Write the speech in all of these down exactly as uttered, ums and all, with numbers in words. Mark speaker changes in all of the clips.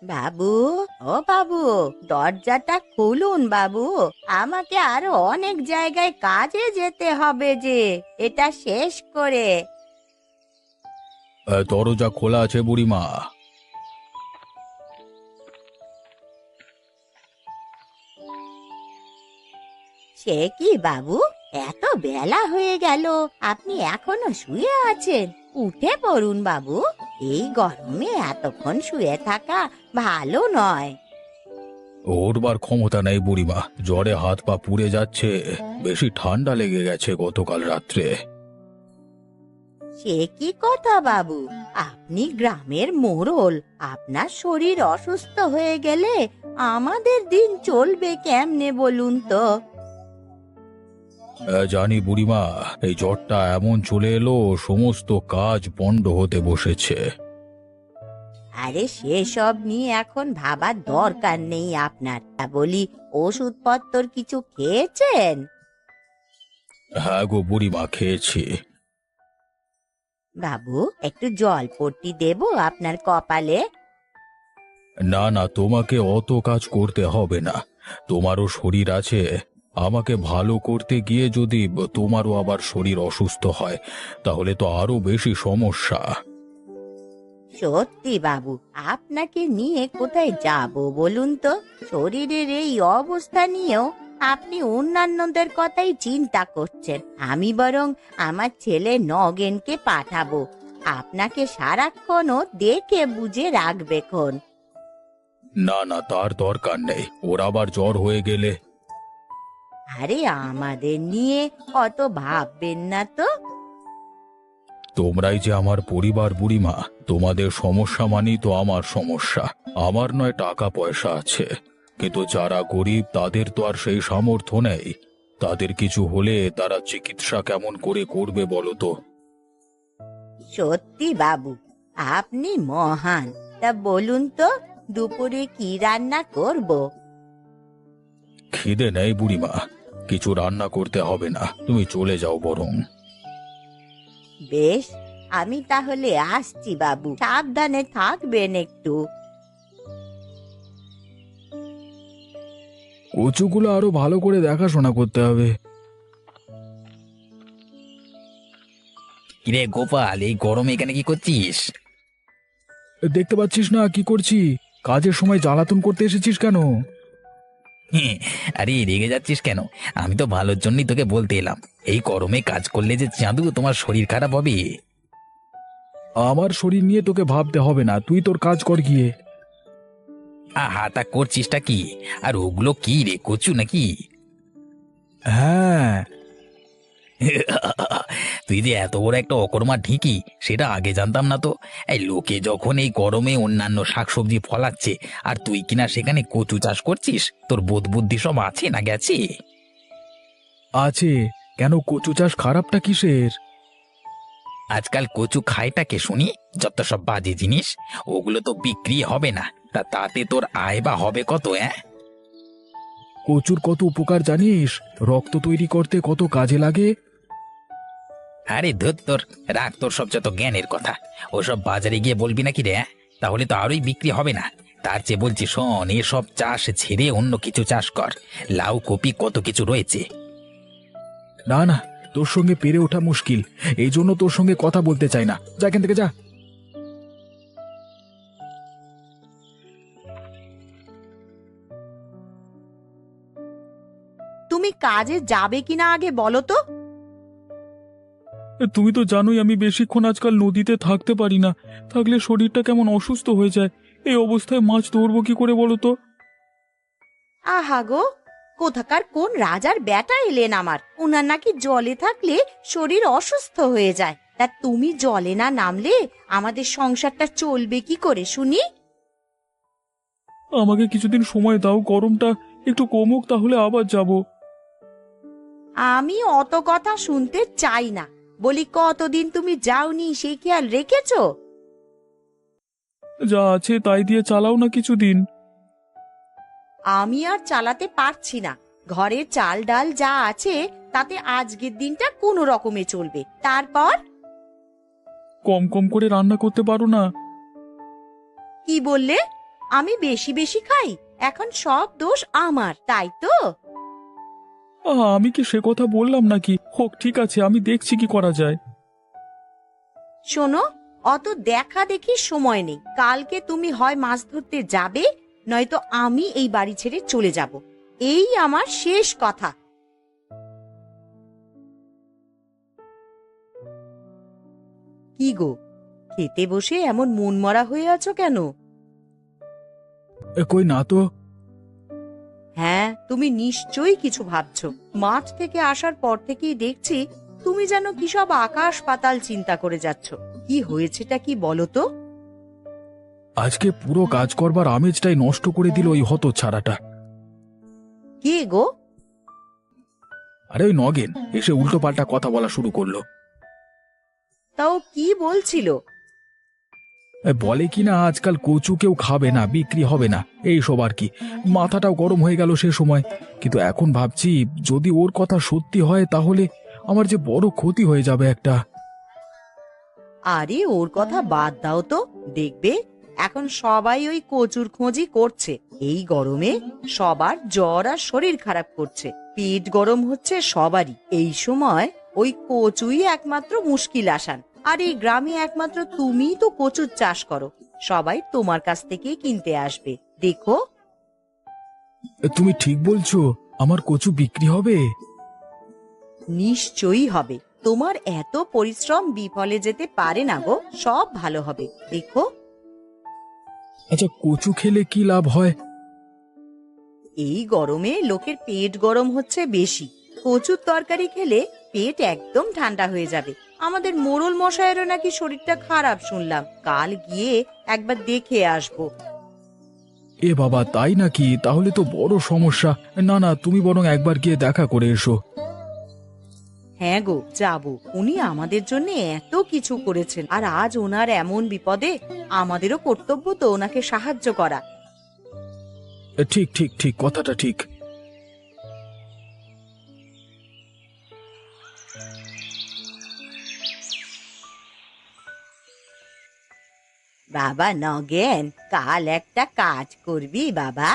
Speaker 1: বাবু, ও বাবু, দরজাটা খুলুন বাবু। আমাকে আরো অনেক জায়গায় কাজে যেতে হবে যে, এটা শেষ করে।
Speaker 2: আহ, দরজা খোলা আছে বুড়িমা।
Speaker 1: সে কি বাবু, এত বেলা হয়ে গেল, আপনি এখনো শুয়ে আছেন? উঠে পড়ুন বাবু, এই গরমে এতক্ষণ শুয়ে থাকা ভালো নয়।
Speaker 2: ওঠবার ক্ষমতা নেই বুড়িমা, জ্বরে হাত পা পুড়ে যাচ্ছে। বেশি ঠান্ডা লেগে গেছে গতকাল রাত্রে।
Speaker 1: সে কি কথা বাবু, আপনি গ্রামের মোড়ল, আপনার শরীর অসুস্থ হয়ে গেলে আমাদের দিন চলবে কেমনে বলুন তো?
Speaker 2: আহ, জানি বুড়িমা, এই জ্বরটা এমন চলে এলো, সমস্ত কাজ পণ্ড হতে বসেছে।
Speaker 1: আরে সেসব নিয়ে এখন ভাবার দরকার নেই আপনার। তা বলি, ওষুধপত্র কিছু খেয়েছেন?
Speaker 2: হ্যাঁ গো বুড়িমা, খেয়েছি।
Speaker 1: বাবু, একটু জলপট্টি দেব আপনার কপালে?
Speaker 2: না না, তোমাকে অত কাজ করতে হবে না, তোমারও শরীর আছে। আমাকে ভালো করতে গিয়ে যদি তোমারও আবার শরীর অসুস্থ হয়, তাহলে তো আরো বেশি সমস্যা।
Speaker 1: সত্যি বাবু, আপনাকে নিয়ে কোথায় যাব বলুন তো? শরীরের এই অবস্থা নিয়েও আপনি অন্যান্যদের কথাই চিন্তা করছেন। আমি বরং আমার ছেলে নগেনকে পাঠাবো, আপনাকে সারাক্ষণও দেখে বুঝে রাখবে খন।
Speaker 2: না না, তার দরকার নেই, ওর আবার জ্বর হয়ে গেলে।
Speaker 1: আরে আমাদের নিয়ে অত ভাববেন না তো।
Speaker 2: তোমরাই যে আমার পরিবার বুড়িমা, তোমাদের সমস্যা মানেই তো আমার সমস্যা। আমার নয় টাকা পয়সা আছে, কিন্তু যারা গরিব তাদের তো আর সেই সামর্থ্য নেই। তাদের কিছু হলে তারা চিকিৎসা কেমন করে করবে বলো তো?
Speaker 1: সত্যি বাবু, আপনি মহান। তা বলুন তো, দুপুরে কি রান্না করব?
Speaker 2: খিদে নেই বুড়িমা, কিছু রান্না করতে হবে না, তুমি চলে যাও বরং।
Speaker 1: বেশ, আমি তাহলে আসছি বাবু, সাবধানে থাকবেন একটু।
Speaker 2: কচুগুলো আরো ভালো করে দেখাশোনা করতে হবে।
Speaker 3: কিরে গোপাল, এই গরমে এখানে কি করছিস?
Speaker 2: দেখতে পাচ্ছিস না কি করছি? কাজের সময় জ্বালাতন করতে এসেছিস কেন?
Speaker 3: হ্যাঁ, আরে রেগে যাচ্ছিস কেন? আমি তো ভালোর জন্যই তোকে বলতে এলাম, এই গরমে কাজ করলে যে চাঁদু তোমার শরীর খারাপ হবে।
Speaker 2: আমার শরীর নিয়ে তোকে ভাবতে হবে না, তুই তোর কাজ কর গিয়ে।
Speaker 3: আহা, তা করছিসটা কি? আর ওগুলো কি রে, কচু নাকি?
Speaker 2: হ্যাঁ।
Speaker 3: তুই যে এত বড় একটা অকর্মা ঢিকি, সেটা আগে জানতাম না তো। এই লোকে যখন এই গরমে অন্যান্য শাকসবজি ফলাচ্ছে, আর তুই কিনা সেখানে কচু চাষ করছিস, তোর বোধ বুদ্ধি সব আছে না গেছে?
Speaker 2: আছে। কেন, কচু চাষ খারাপটা কিসের?
Speaker 3: আজকাল কচু খায়টা কে শুনি? যত সব বাজে জিনিস, ওগুলো তো বিক্রি হবে না, তা তাতে তোর আয় বা হবে কত? হ্যাঁ,
Speaker 2: কচুর কত উপকার জানিস? রক্ত তৈরি করতে কত কাজে লাগে।
Speaker 3: আরে ধুর, তোর রাখ তোর সব যত জ্ঞানের কথা। ওসব বাজারে গিয়ে বলবি নাকি রে? হ্যাঁ? তাহলে তো আরোই বিক্রি হবে না। তার চেয়ে বলছি শোন, এসব চাষ ছেড়ে অন্য কিছু চাষ কর। লাউ কপি কত কিছু রয়েছে।
Speaker 2: না না, তোর সঙ্গে পেরে ওঠা মুশকিল, এই জন্য তোর সঙ্গে কথা বলতে চাই না। যা এখান থেকে, যা।
Speaker 1: তুমি কাজে যাবে কিনা আগে বলো তো?
Speaker 2: তুমি তো জানোই আমি বেশিক্ষণ আজকাল নদীতে থাকতে পারি না, থাকলে শরীরটা কেমন অসুস্থ হয়ে যায়। এই অবস্থায় মাছ ধরবো কি করে বলো তো?
Speaker 1: আহা গো, কোথাকার কোন রাজার বেটা এলেন আমার, উনার নাকি জলে থাকলে শরীর অসুস্থ হয়ে যায়। তা তুমি জলে না নামলে আমাদের সংসারটা চলবে কি করে শুনি?
Speaker 2: আমাকে কিছুদিন সময় দাও, গরমটা একটু কমুক, তাহলে আবার যাব।
Speaker 1: আমি অত কথা শুনতে চাই না। বলি, কতদিন তুমি যাওনি সেই খেয়াল রেখেছো?
Speaker 2: যা আছে তাই দিয়ে চালাও না কিছুদিন।
Speaker 1: আমি আর চালাতে পারছি না। ঘরে চাল ডাল যা আছে তাতে আজকের দিনটা কোনো রকমে চলবে, তারপর?
Speaker 2: কম কম করে রান্না করতে পারো না?
Speaker 1: কি বললে? আমি বেশি বেশি খাই, এখন সব দোষ আমার, তাই তো?
Speaker 2: আহা, আমি কি সে কথা বললাম নাকি? হোক, ঠিক আছে, আমি দেখছি কি করা যায়।
Speaker 1: শোনো, অত দেখা দেখি সময় নেই। কালকে তুমি হয় মাছ ধরতে যাবে, নয়তো আমি এই বাড়ি ছেড়ে চলে যাব। এই আমার শেষ কথা। কি গো, খেতে বসে এমন মনমরা হয়ে আছো কেন?
Speaker 2: এ, কই না তো।
Speaker 1: হ্যাঁ, তুমি নিশ্চয়ই কিছু ভাবছো। মাঠ থেকে আসার পর থেকেই দেখছি তুমি যেন কি সব আকাশ পাতাল চিন্তা করে যাচ্ছ। কি হয়েছেটা কি বলো তো?
Speaker 2: আজকে পুরো কাজ করবার আমেজটাই নষ্ট করে দিল ওই হতচ্ছাড়াটা।
Speaker 1: কে গো?
Speaker 2: আরে ওই নগেন এসে উল্টো পাল্টা কথা বলা শুরু করলো।
Speaker 1: তাও কি বলছিল?
Speaker 2: এ, বলে কিনা আজকাল কচু কেউ খাবে না, বিক্রি হবে না, এইসব আর কি। মাথাটাও গরম হয়ে গেল সে সময়। কিন্তু এখন ভাবছি, যদি ওর কথা সত্যি হয় তাহলে আমার যে বড় ক্ষতি হয়ে যাবে একটা।
Speaker 1: আরে ওর কথা বাদ দাও তো, দেখবে এখন সবাই ওই কচুর খোঁজই করছে। এই গরমে সবার জ্বর আর শরীর খারাপ করছে, পেট গরম হচ্ছে সবারই। এই সময় ওই কচুই একমাত্র মুশকিল আসান। আর এই গ্রামে একমাত্র তুমিই তো কচুর চাষ করো, সবাই তোমার কাছ থেকেই কিনতে আসবে। দেখো,
Speaker 2: এ, তুমি ঠিক বলছো, আমার কচু বিক্রি হবে।
Speaker 1: নিশ্চয়ই হবে। তোমার এত পরিশ্রম বিফলে যেতে পারে না গো, সব ভালো হবে, দেখো।
Speaker 2: আচ্ছা, কচু খেলে কি লাভ হয়?
Speaker 1: এই গরমে লোকের পেট গরম হচ্ছে বেশি। কচুর তরকারি খেলে পেট একদম ঠান্ডা হয়ে যাবে। আমাদের মোড়ল মশাইয়েরও নাকি শরীরটা খারাপ শুনলাম, কাল গিয়ে একবার দেখে আসবো।
Speaker 2: এ বাবা, তাই নাকি? তাহলে তো বড় সমস্যা। না না, তুমি বরং একবার গিয়ে দেখা করে এসো।
Speaker 1: হ্যাঁ গো, যাবো। উনি আমাদের জন্য এত কিছু করেছেন, আর আজ ওনার এমন বিপদে আমাদেরও কর্তব্য তো ওনাকে সাহায্য করা।
Speaker 2: এ, ঠিক ঠিক ঠিক, কথাটা ঠিক।
Speaker 1: বাবা নগেন, কাল একটা কাজ করবি বাবা?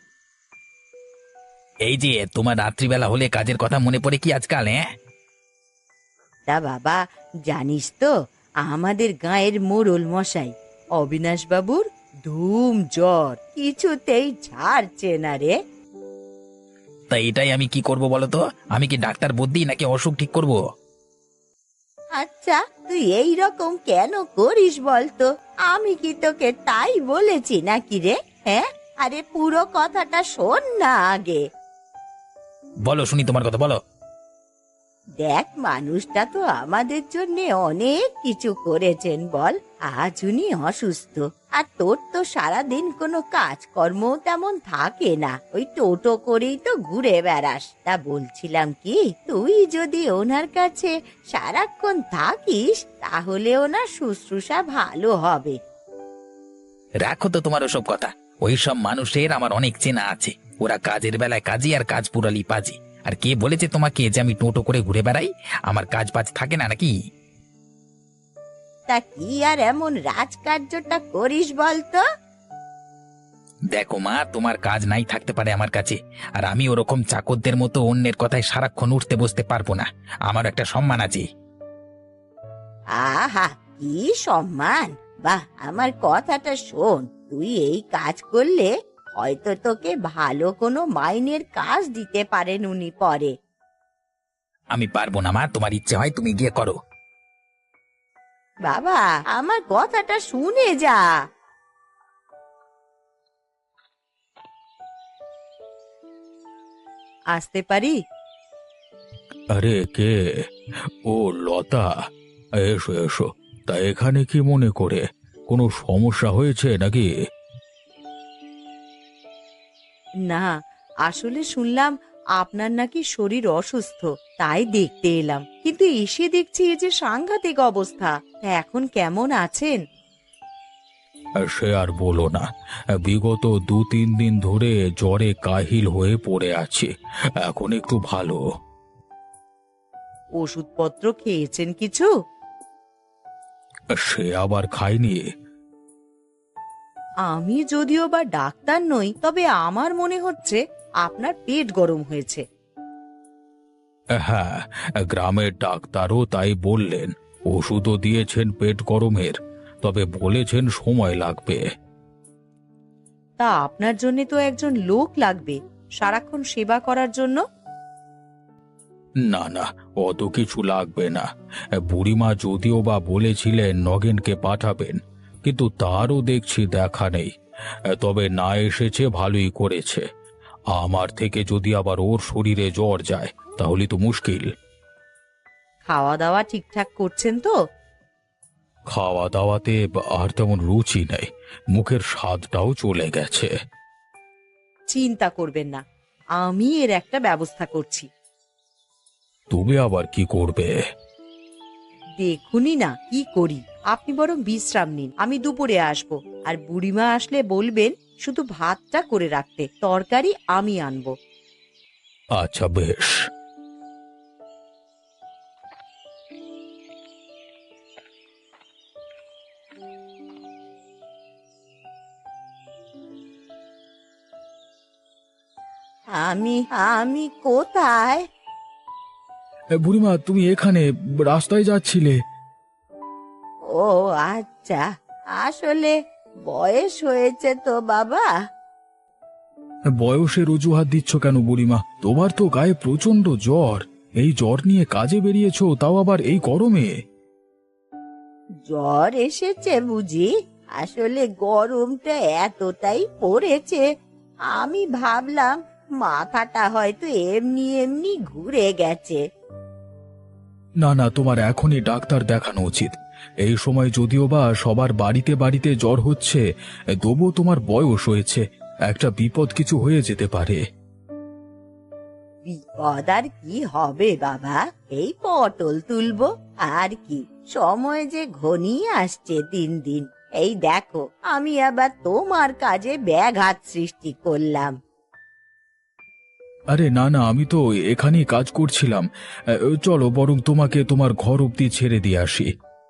Speaker 3: এই যে তোমার রাত্রিবেলা হলে কাজের কথা মনে পড়ে কি আজকাল? হ্যাঁ,
Speaker 1: তা বাবা, জানিস তো আমাদের গাঁয়ের মোড়ল মশাই অবিনাশ বাবুর ধুম জ্বর, কিছুতেই ছাড়ছে না রে।
Speaker 3: তা এটাই আমি কি করব বলো তো? আমি কি ডাক্তার বদ্যি নাকি অসুখ ঠিক করব?
Speaker 1: আচ্ছা, তুই এই রকম কেন করিস বলতো? আমি কি তোকে তাই বলেছি নাকি রে? হ্যাঁ, আরে পুরো কথাটা শোন না আগে।
Speaker 3: বলো শুনি, তোমার কথা বলো।
Speaker 1: দেখ, মানুষটা তো আমাদের জন্য অনেক কিছু করেছেন বল। আজ উনি অসুস্থ, আর তোর তো সারাদিন কোনো কাজকর্ম তেমন থাকে না, ওই টোটো করেই তো ঘুরে বেড়াস। তা বলছিলাম কি, তুই যদি ওনার কাছে সারাক্ষণ থাকিস তাহলে ওনার শুশ্রূষা ভালো হবে।
Speaker 3: রাখো তো তোমার ওসব কথা। ওই সব মানুষের আমার অনেক চেনা আছে। ওরা কাজের বেলায় কাজী আর কাজ পুরালি পাজি। আর কে বলেছে তোমাকে যে আমি টোটো করে ঘুরে বেড়াই? আমার কাজ বাজ থাকে না নাকি?
Speaker 1: তা কি আর এমন রাজকার্যটা করিস বলতো?
Speaker 3: দেখো মা, তোমার কাজ নাই থাকতে পারে আমার কাছে, আর আমি ওরকম চাকরদের মতো অন্যের কথায় সারাক্ষণ উঠতে বসতে পারবো না। আমার একটা সম্মান আছে।
Speaker 1: আহা, কি সম্মান! বাহ, আমার কথাটা শোন, তুই এই কাজ করলে হয়তো তোকে ভালো কোনো মাইনের কাজ দিতে পারেন উনি পরে।
Speaker 3: আমি পারবো না মা, তোমার ইচ্ছে হয় তুমি গিয়ে করো।
Speaker 1: বাবা, আমার কথাটা শুনে যা। আসতে পারি?
Speaker 2: আরে কে? ও, লতা। এসো এসো। তা এখানে কি মনে করে? কোনো সমস্যা হয়েছে নাকি?
Speaker 1: না, আসলে শুনলাম আপনার নাকি শরীর অসুস্থ, তাই দেখতে এলাম। কিন্তু এসে দেখছি এই যে সাংঘাতিক অবস্থা। তা এখন কেমন আছেন?
Speaker 2: সে আর বলো না, বিগত দু তিন দিন ধরে জ্বরে কাহিল হয়ে পড়ে আছি। এখন একটু ভালো।
Speaker 1: ওষুধপত্র খেয়েছেন কিছু?
Speaker 2: সে আবার খাইনি।
Speaker 1: আমি যদিও বা ডাক্তার নই, তবে আমার মনে হচ্ছে আপনার পেট গরম হয়েছে।
Speaker 2: হ্যাঁ, গ্রামের ডাক্তারও তাই বললেন। ওষুধও দিয়েছেন পেট গরমের, তবে বলেছেন সময় লাগবে।
Speaker 1: তা আপনার জন্য তো একজন লোক লাগবে সারাক্ষণ সেবা করার জন্য।
Speaker 2: না না, অত কিছু লাগবে না। বুড়িমা যদিও বা বলেছিলেন নগেনকে পাঠাবেন, কিন্তু তারও দেখছি দেখা নেই। তবে না এসেছে ভালোই করেছে। আমার থেকে যদি আবার ওর শরীরে জ্বর যায় তাহলে তো মুশকিল।
Speaker 1: খাওয়া দাওয়া ঠিকঠাক করছেন তো?
Speaker 2: খাওয়া দাওয়াতে আর তেমন রুচি নেই, মুখের স্বাদটাও চলে গেছে।
Speaker 1: চিন্তা করবেন না, আমি এর একটা ব্যবস্থা করছি।
Speaker 2: তুমি আবার কি করবে?
Speaker 1: দেখুনই না কি করি। আপনি বরং বিশ্রাম নিন, আমি দুপুরে আসব। আর বুড়িমা আসলে বলবেন শুধু ভাতটা করে রাখতে, তরকারি আমি আনবো।
Speaker 2: আচ্ছা, বেশ।
Speaker 1: আমি আমি কোথায়?
Speaker 2: বুড়িমা, তুমি এখানে রাস্তায় যাচ্ছিলে?
Speaker 1: ও আচ্ছা, আসলে বয়স হয়েছে তো বাবা।
Speaker 2: বয়সের অজুহাত দিচ্ছ কেন বুড়িমা? তোমার তো গায়ে প্রচন্ড জ্বর। এই জ্বর নিয়ে কাজে বেরিয়েছো, তাও আবার এই গরমে?
Speaker 1: জ্বর এসেছে বুঝি? আসলে গরমটা এতটাই পড়েছে, আমি ভাবলাম মাথাটা হয়তো এমনি এমনি ঘুরে গেছে।
Speaker 2: না না, তোমার এখনই ডাক্তার দেখানো উচিত। এই সময় যদিও বা সবার বাড়িতে বাড়িতে জ্বর হচ্ছে, তবুও তোমার বয়স হয়েছে, একটা বিপদ কিছু হয়ে যেতে পারে।
Speaker 1: বিপদ আর কি হবে বাবা, এই পটল তুলবো আর কি। সময় যে ঘনিয়ে আসছে দিন দিন। এই দেখো, আমি আবার তোমার কাজে ব্যাঘাত সৃষ্টি করলাম।
Speaker 2: আরে না না, আমি তো এখানেই কাজ করছিলাম। আহ, চলো বরং তোমাকে তোমার ঘর অব্দি ছেড়ে দিয়ে আসি।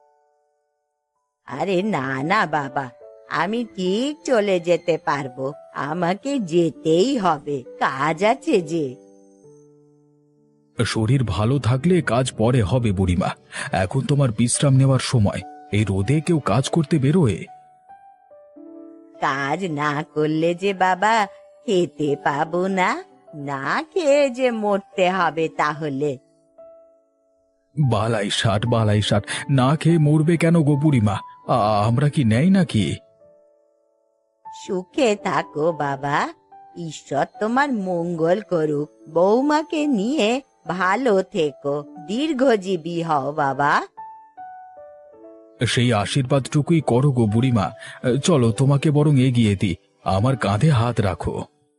Speaker 1: আরে না না বাবা, আমি ঠিক চলে যেতে পারবো। আমাকে যেতেই হবে, কাজ আছে যে।
Speaker 2: শরীর ভালো থাকলে কাজ পরে হবে বুড়িমা। এখন তোমার বিশ্রাম নেওয়ার সময়। এই রোদে কেউ কাজ করতে বেরোয়?
Speaker 1: কাজ না করলে যে বাবা খেতে পাবো না, না খেয়ে যে মরতে হবে তাহলে।
Speaker 2: বালাই ষাট, বালাই ষাট, না খেয়ে মরবে কেন গো বুড়িমা? আ- আমরা কি নেই নাকি?
Speaker 1: সুখে থাকো বাবা, ঈশ্বর তোমার মঙ্গল করুক। বৌমাকে নিয়ে ভালো থেকো, দীর্ঘজীবী হও বাবা।
Speaker 2: সেই আশীর্বাদটুকুই করো গো বুড়িমা। চলো তোমাকে বরং এগিয়ে দিই, আমার কাঁধে হাত রাখো।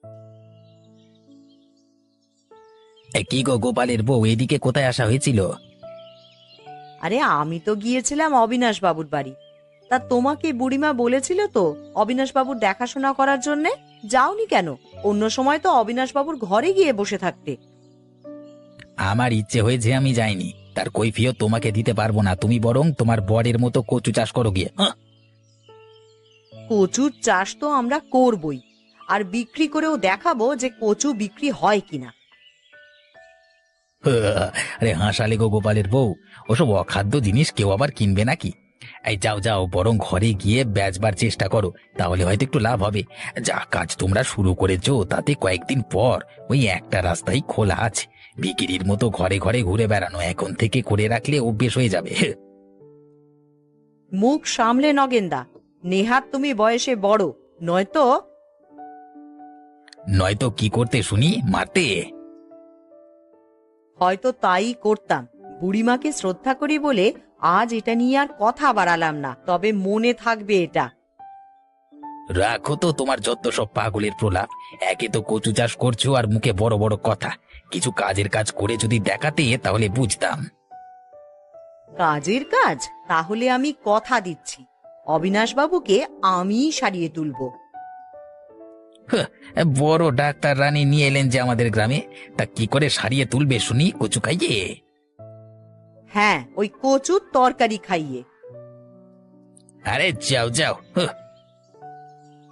Speaker 3: এ, কি গো গোপালের বউ, এদিকে কোথায় আসা হয়েছিল?
Speaker 1: আরে আমি তো গিয়েছিলাম অবিনাশ বাবুর বাড়ি। তা তোমাকে বুড়িমা বলেছিল তো অবিনাশ বাবুর দেখাশোনা করার জন্যে, যাওনি কেন? অন্য সময় তো অবিনাশ বাবুর ঘরে গিয়ে বসে থাকতে।
Speaker 3: আমার ইচ্ছে হয়েছে আমি যাইনি, তার কৈফিয়ত তোমাকে দিতে পারবো না। তুমি বরং তোমার বরের মতো কচু চাষ করো গিয়ে। হাঁ।
Speaker 1: কচুর চাষ তো আমরা করবই, আর বিক্রি করেও দেখাবো যে কচু বিক্রি হয় কিনা।
Speaker 3: আরে হাসালে গো গোপালের বউ, ওসব অখাদ্য জিনিস কেউ আবার কিনবে নাকি? এই যাও যাও, বরং ঘরে গিয়ে বেচবার চেষ্টা করো, তাহলে হয়তো একটু লাভ হবে। যা কাজ তোমরা শুরু করেছো তাতে কয়েকদিন পর ওই একটা রাস্তাই খোলা আছে। বিক্রির মতো ঘরে ঘরে ঘুরে বেড়ানো এখন থেকে করে রাখলে অভ্যেস হয়ে যাবে।
Speaker 1: মুখ সামলে নগেন্দা, নেহাত তুমি বয়সে বড়, নয়তো।
Speaker 3: নয়তো কি করতে শুনি? মারতে?
Speaker 1: হয়তো তাই করতাম। বুড়িমাকে শ্রদ্ধা করি বলে আজ এটা নিয়ে আর কথা বাড়ালাম না, তবে মনে থাকবে এটা।
Speaker 3: রাখো তো তোমার যত সব পাগলের প্রলাপ। একে তো কচু চাষ করছো আর মুখে বড় বড় কথা। কিছু কাজের কাজ করে যদি দেখাতে তাহলে বুঝতাম।
Speaker 1: কাজের কাজ? তাহলে আমি কথা দিচ্ছি, অবিনাশ বাবুকে আমিই সারিয়ে তুলবো।
Speaker 3: হাহ, বড় ডাক্তার রানী নিয়ে এলেন যে আমাদের গ্রামে, তা কি করে সারিয়ে তুলবে শুনি কচু খাইয়ে?
Speaker 1: হ্যাঁ, ওই কচুর তরকারি খাইয়ে।
Speaker 3: আরে যাও যাও। হাহ।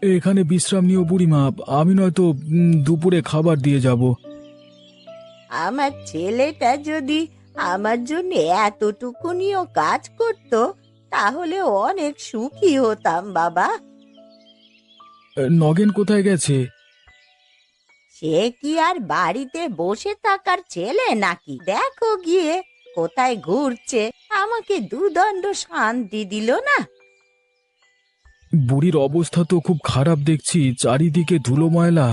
Speaker 2: এখানে বিশ্রাম নিও বুড়িমা, আমি নয়তো উম, দুপুরে খাবার দিয়ে যাব।
Speaker 1: আমার ছেলেটা যদি আমার জন্য এতটুকুনিও কাজ করত তাহলে অনেক সুখী হতাম বাবা।
Speaker 2: নগেন কোথায় গেছে?
Speaker 1: সে কি আর বাড়িতে বসে থাকার ছেলে নাকি? দেখো গিয়ে কোথায় ঘুরছে, আমাকে দুদণ্ড শান্তি দিল না।
Speaker 2: বুড়ির অবস্থা তো খুব খারাপ দেখছি, চারিদিকে ধুলো ময়লা।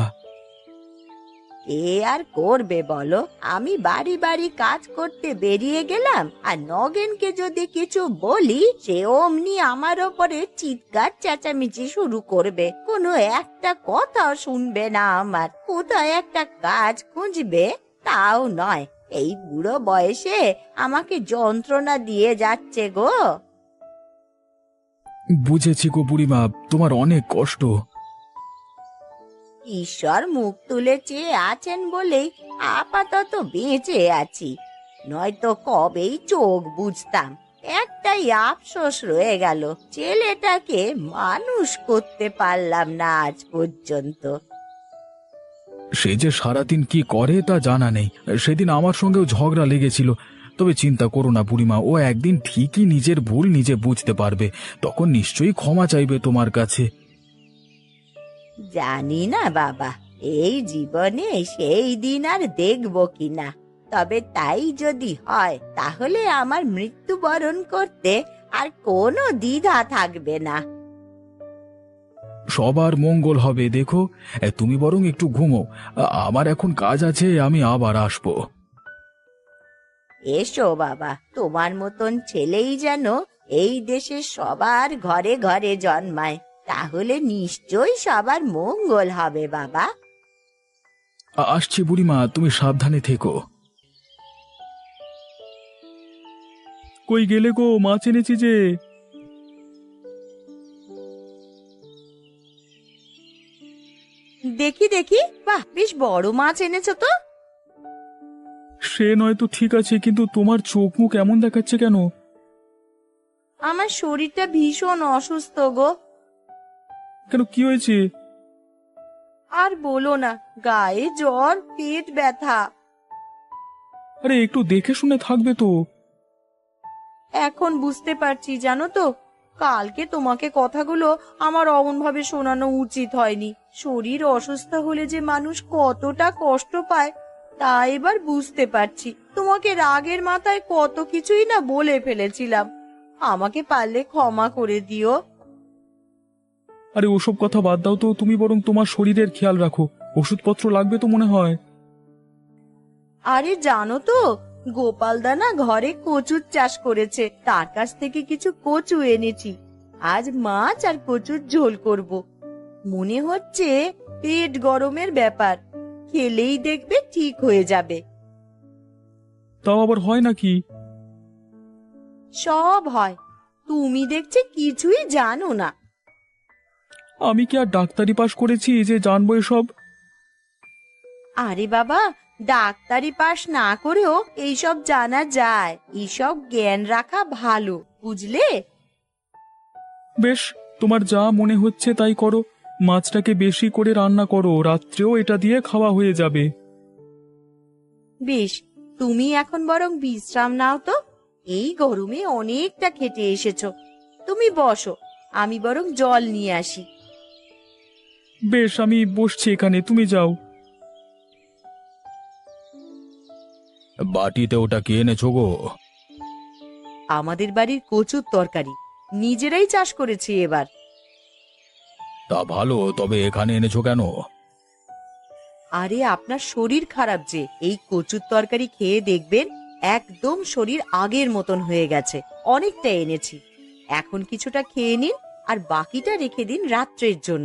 Speaker 1: এ আর করবে বলো? আমি বাড়ি বাড়ি কাজ করতে বেরিয়ে গেলাম, আর নগেনকে যদি কিছু বলি সে অমনি আমার ওপরে চিৎকার চেঁচামেচি শুরু করবে, কোনো একটা কথা শুনবে না আমার। কোথায় একটা কাজ খুঁজবে তাও নয়, এই বুড়ো বয়সে আমাকে যন্ত্রণা দিয়ে যাচ্ছে গো।
Speaker 2: বুঝেছি গো বুড়িমা, তোমার অনেক কষ্ট।
Speaker 1: ঈশ্বর মুখ তুলে চেয়ে আছেন বলেই আপাতত বেঁচে আছি, নয়তো কবেই চোখ বুঝতাম। একটাই আফসোস রয়ে গেল, ছেলেটাকে মানুষ করতে পারলাম না আজ পর্যন্ত।
Speaker 2: সে যে সারাদিন কি করে তা জানা নেই। সেদিন আমার সঙ্গেও ঝগড়া লেগেছিল। তবে চিন্তা করো না বুড়িমা, ও একদিন ঠিকই নিজের ভুল নিজে বুঝতে পারবে, তখন নিশ্চয়ই ক্ষমা চাইবে তোমার কাছে।
Speaker 1: জানি না বাবা, এই জীবনে সেই দিন আর দেখবো কিনা, তবে তাই যদি হয় তাহলে আমার মৃত্যুবরণ করতে আর কোনো দ্বিধা থাকবে না।
Speaker 2: সবার মঙ্গল হবে। দেখো, এ, তুমি বরং একটু ঘুমো। আ- আমার এখন কাজ আছে, আমি আবার আসবো।
Speaker 1: এসো বাবা, তোমার মতন ছেলেই যেন এই দেশের সবার ঘরে ঘরে জন্মায়, তাহলে নিশ্চয়ই সবার মঙ্গল হবে বাবা।
Speaker 2: আ- আসছি বুড়িমা, তুমি সাবধানে থেকো। কই গেলে গো? মাছ এনেছি যে।
Speaker 1: দেখি দেখি, বাহ, বেশ বড় মাছ এনেছো তো।
Speaker 2: সে নয়তো ঠিক আছে, কিন্তু তোমার চোখ মুখ এমন দেখাচ্ছে কেন?
Speaker 1: আমার শরীরটা ভীষণ অসুস্থ গো।
Speaker 2: কেন, কি হয়েছে?
Speaker 1: আর বলো না, গায়ে জ্বর, পেট ব্যথা।
Speaker 2: আরে একটু দেখে শুনে থাকবে তো।
Speaker 1: এখন বুঝতে পারছি জানো তো, কালকে তোমাকে কথাগুলো আমার অমন ভাবে শোনানো উচিত হয়নি। শরীর অসুস্থ হলে যে মানুষ কতটা কষ্ট পায় তা এবার বুঝতে পারছি। তোমাকে রাগের মাথায় কত কিছুই না বলে ফেলেছিলাম, আমাকে পারলে ক্ষমা করে দিও।
Speaker 2: আরে ওসব কথা বাদ দাও তো, তুমি বরং তোমার শরীরের খেয়াল রাখো। ওষুধপত্র লাগবে তো মনে হয়।
Speaker 1: আরে জানো তো, গোপালদা না ঘরে কচুর চাষ করেছে, তার কাছ থেকে কিছু কচু এনেছি। আজ মাছ আর কচুর ঝোল করব। মনে হচ্ছে পেট গরমের ব্যাপার, খেলেই দেখবে ঠিক হয়ে যাবে।
Speaker 2: তাও আবার হয় নাকি?
Speaker 1: সব হয়, তুমি দেখছি কিছুই জানো না।
Speaker 2: আমি কি আর ডাক্তারি পাশ করেছি যে জানবো এসব?
Speaker 1: আরে বাবা, ডাক্তারি পাশ না করেও এইসব জানা যায়, এইসব জ্ঞান রাখা ভালো, বুঝলে?
Speaker 2: বেশ, তোমার যা মনে হচ্ছে তাই করো। মাছটাকে বেশি করে রান্না করো, রাত্রেও এটা দিয়ে খাওয়া হয়ে যাবে।
Speaker 1: বেশ, তুমি এখন বরং বিশ্রাম নাও তো, এই গরমে অনেকটা খেটে এসেছো। তুমি বসো, আমি বরং জল নিয়ে আসি।
Speaker 2: বেশ, আমি বসছি এখানে, তুমি যাও। বাটিতে ওটা কে এনেছো গো?
Speaker 1: আমাদের বাড়ির কচুর তরকারি, নিজেরাই চাষ করেছি এবার।
Speaker 2: তা ভালো, তবে এখানে এনেছো কেন?
Speaker 1: আরে আপনার শরীর খারাপ যে, এই কচুর তরকারি খেয়ে দেখবেন একদম শরীর আগের মতন হয়ে গেছে। অনেকটা এনেছি, এখন কিছুটা খেয়ে নিন আর বাকিটা রেখে দিন রাত্রের জন্য।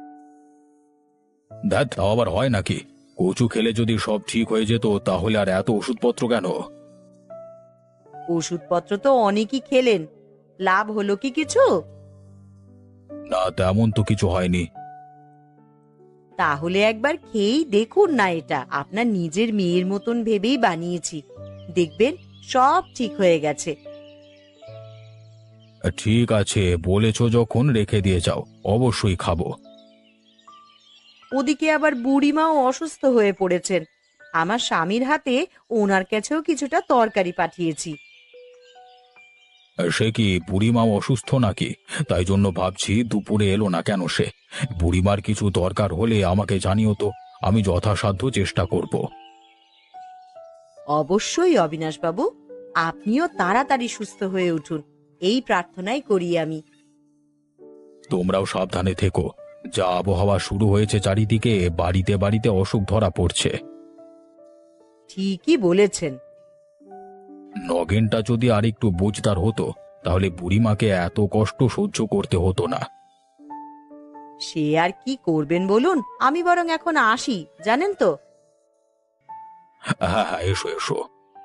Speaker 2: দেখ, তাও আবার হয় নাকি? কচু খেলে যদি সব ঠিক হয়ে যেত তাহলে আর এত ওষুধপত্র কেন?
Speaker 1: ওষুধপত্র তো অনেকই খেলেন, লাভ হলো কি কিছু?
Speaker 2: না, তেমন তো কিছু হয়নি।
Speaker 1: তাহলে একবার খেয়েই দেখুন না, এটা আপনার নিজের মেয়ের মতন ভেবেই বানিয়েছি, দেখবেন সব ঠিক হয়ে গেছে।
Speaker 2: ঠিক আছে, বলেছো যখন রেখে দিয়ে যাও, অবশ্যই খাবো।
Speaker 1: ওদিকে আবার বুড়িমাও অসুস্থ হয়ে পড়েছেন। আমার স্বামীর হাতে ওনার কাছেও কিছুটা তরকারি পাঠিয়েছি।
Speaker 2: সে কি বুড়িমাও অসুস্থ নাকি? তাই জন্য ভাবছি দুপুরে এলো না কেন সে। বুড়িমার কিছু দরকার হলে আমাকে জানিও তো, আমি যথাসাধ্য চেষ্টা করব।
Speaker 1: অবশ্যই অবিনাশবাবু, আপনিও তাড়াতাড়ি সুস্থ হয়ে উঠুন, এই প্রার্থনাই করি আমি।
Speaker 2: তোমরাও সাবধানে থেকো। যা আবহাওয়া শুরু হয়েছে চারিদিকে, বাড়িতে বাড়িতে অসুখ ধরা পড়ছে।
Speaker 1: ঠিকই বলেছেন।
Speaker 2: নগেনটা যদি আরেকটু বুঝদার হতো তাহলে বুড়িমাকে এত কষ্ট সহ্য করতে হতো না।
Speaker 1: সে আর কি করবেন বলুন, আমি বরং এখন আসি, জানেন তো।
Speaker 2: হ্যাঁ হ্যাঁ, এসো এসো।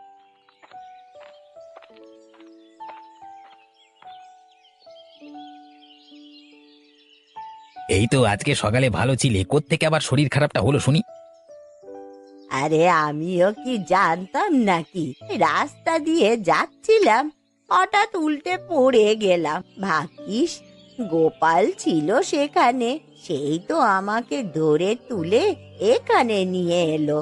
Speaker 3: এই তো আজকে সকালে ভালো ছিলে, কোত্থেকে আবার শরীর খারাপটা হলো শুনি?
Speaker 1: আরে আমিও কি জানতাম নাকি, রাস্তা দিয়ে যাচ্ছিলাম, হঠাৎ উল্টে পড়ে গেলাম। ভাগ্যিস গোপাল ছিল সেখানে, সেই তো আমাকে ধরে তুলে এখানে নিয়ে এলো।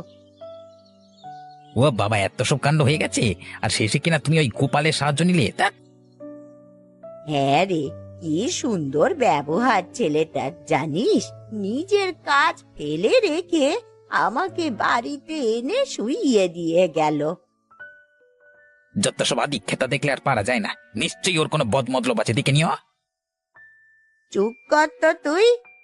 Speaker 3: ও বাবা, এত সব কাণ্ড হয়ে গেছে, আর শেষে কিনা তুমি ওই গোপালের সাহায্য নিলে? তা
Speaker 1: হ্যাঁ রে, কি সুন্দর ব্যবহার ছেলেটার জানিস, নিজের কাজ ফেলে রেখে আমাকে বাড়িতে এনে শুইয়ে দিয়ে গেল।
Speaker 3: যত সব আদি খেতা দেখলে আর পারা যায় না, নিশ্চয়ই ওর কোনো বদমতলব আছে, দেখে নিও।
Speaker 1: চুপ কর তো তুই।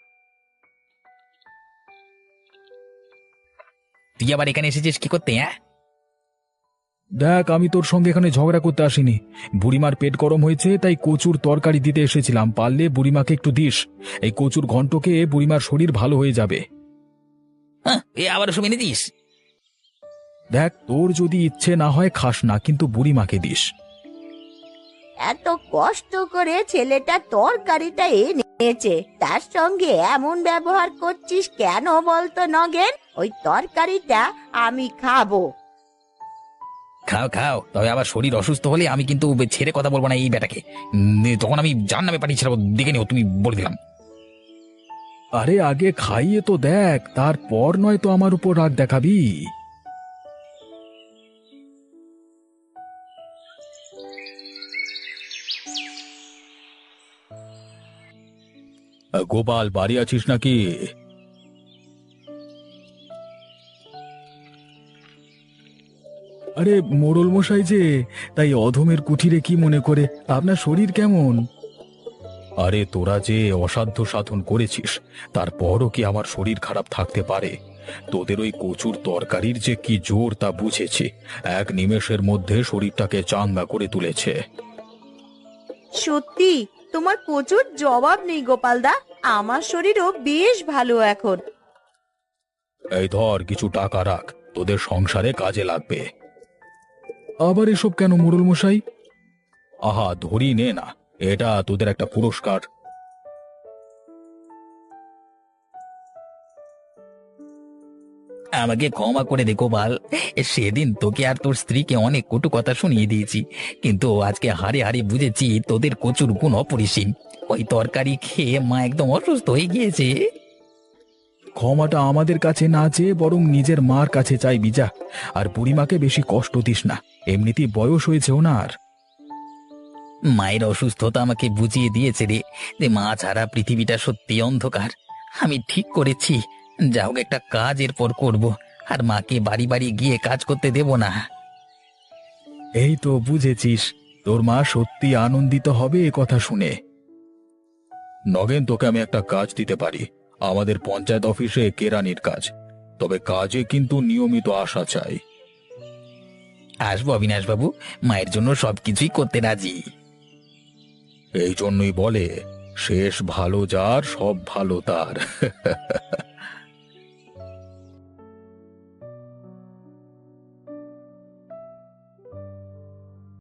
Speaker 3: তুই আবার এখানে এসেছিস কি করতে? হ্যাঁ,
Speaker 2: দেখ, আমি তোর সঙ্গে এখানে ঝগড়া করতে আসিনি। বুড়িমার পেট গরম হয়েছে তাই কচুর তরকারি দিতে এসেছিলাম, পারলে বুড়িমাকে একটু দিস। এই কচুর ঘন্টকে বুড়িমার শরীর ভালো হয়ে যাবে।
Speaker 3: হ্যাঁ, এ আবার শুনে নিতিস?
Speaker 2: দেখ, তোর যদি ইচ্ছে না হয় খাস না, কিন্তু বুড়িমাকে দিস।
Speaker 1: এত কষ্ট করে ছেলেটা তরকারিটা এনেছে, তার সঙ্গে এমন ব্যবহার করছিস কেন বলতো নগেন? ওই তরকারিটা আমি খাবো।
Speaker 3: খাও খাও, তবে আবার শরীর অসুস্থ হলে আমি কিন্তু ছেড়ে কথা বলবো না এই বেটাকে। উম, তখন আমি জান নামে পাঠিয়েছিলাম, দেখে নিও, তুমি বলে দিলাম।
Speaker 2: আরে আগে খাইয়ে তো দেখ, তারপর নয় তো আমার উপর রাগ দেখাবি। গোপাল, বাড়ি আছিস নাকি? আরে মোড়ল মশাই যে, তাই অধমের কুঠিরে কি মনে করে? আপনার শরীর কেমন? আরে তোরা যে অসাধ্য সাধন করেছিস, তারপরও কি আমার শরীর খারাপ থাকতে পারে? তোদের ওই কচুর তরকারির যে কি জোর তা বুঝেছি, এক নিমেষের মধ্যে শরীরটাকে চাঙ্গা করে তুলেছে।
Speaker 1: সত্যি তোমার প্রচুর জবাব নেই গোপালদা, আমার শরীরও বেশ ভালো এখন।
Speaker 2: এই ধর, কিছু টাকা রাখ, তোদের সংসারে কাজে লাগবে। আবার এসব কেন মোড়ল মশাই? আহা, ধরি নে না, এটা তোদের একটা পুরস্কার।
Speaker 3: আমাকে ক্ষমা করে দে গোপাল, সেদিন তোকে আর তোর স্ত্রীকে অনেক কটু কথা শুনিয়ে দিয়েছি, কিন্তু আজকে হারে হারে বুঝেছি তোদের কচুর গুণ অপরিসীম। ওই তরকারি খেয়ে মা একদম অসুস্থ হয়ে গিয়েছে।
Speaker 2: ক্ষমাটা আমাদের কাছে না চেয়ে বরং নিজের মার কাছে চাইবি যা। আর বুড়িমাকে বেশি কষ্ট দিস না, এমনিতেই বয়স হয়েছে ওনার।
Speaker 3: মায়ের অসুস্থতা আমাকে বুঝিয়ে দিয়েছে রে, যে মা ছাড়া পৃথিবীটা সত্যি অন্ধকার। আমি ঠিক করেছি, যা হোক একটা কাজ এরপর করব, আর মাকে বাড়ি বাড়ি গিয়ে কাজ করতে দেব না।
Speaker 2: এই তো বুঝেছিস, তোর মা সত্যি আনন্দিত হবে এ কথা শুনে। নগেন, তোকে আমি একটা কাজ দিতে পারি, আমাদের পঞ্চায়েত অফিসে কেরানির কাজ। তবে কাজে কিন্তু নিয়মিত আসা চাই।
Speaker 3: আসবো অবিনাশ বাবু, মায়ের জন্য সবকিছুই করতে রাজি।
Speaker 2: এই জন্যই বলে, শেষ ভালো যার সব ভালো তার।